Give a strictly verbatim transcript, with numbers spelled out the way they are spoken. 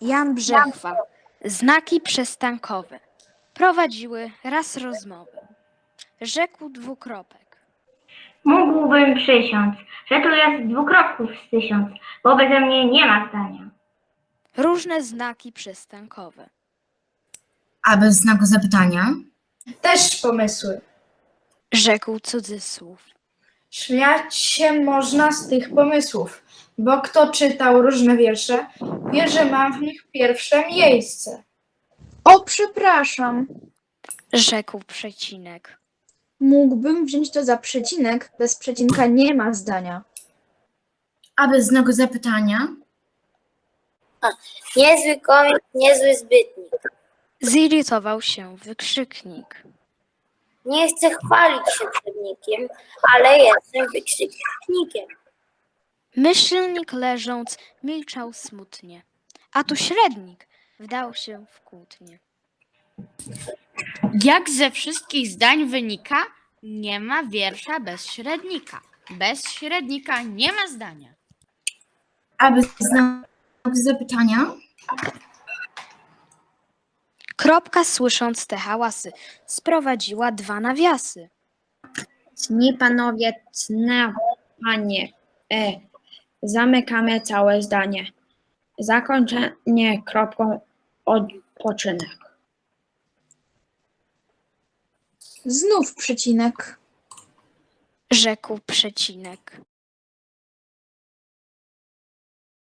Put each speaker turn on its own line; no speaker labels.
Jan Brzechwa. Znaki przystankowe. Prowadziły raz rozmowę. Rzekł dwukropek.
Mógłbym przysiąc, że tu jest dwukropków z tysiąc, bo beze mnie nie ma zdania.
Różne znaki przystankowe.
A bez znaku zapytania?
Też pomysły.
Rzekł cudzysłów.
Śmiać się można z tych pomysłów, bo kto czytał różne wiersze, wie, że mam w nich pierwsze miejsce.
O, przepraszam.
Rzekł przecinek.
Mógłbym wziąć to za przecinek. Bez przecinka nie ma zdania.
A bez znaku zapytania?
Niezły komik, niezły zbytnik.
Zirytował się wykrzyknik.
Nie chcę chwalić się przed nikim, ale jestem wykrzyknikiem.
Myślnik leżąc milczał smutnie, a tu średnik wdał się w kłótnię.
Jak ze wszystkich zdań wynika, nie ma wiersza bez średnika. Bez średnika nie ma zdania.
A bez znaku zapytania?
Kropka, słysząc te hałasy, sprowadziła dwa nawiasy.
Cni panowie, cne panie, e, zamykamy całe zdanie. Zakończenie kropką odpoczynek.
Znów przecinek.
Rzekł przecinek.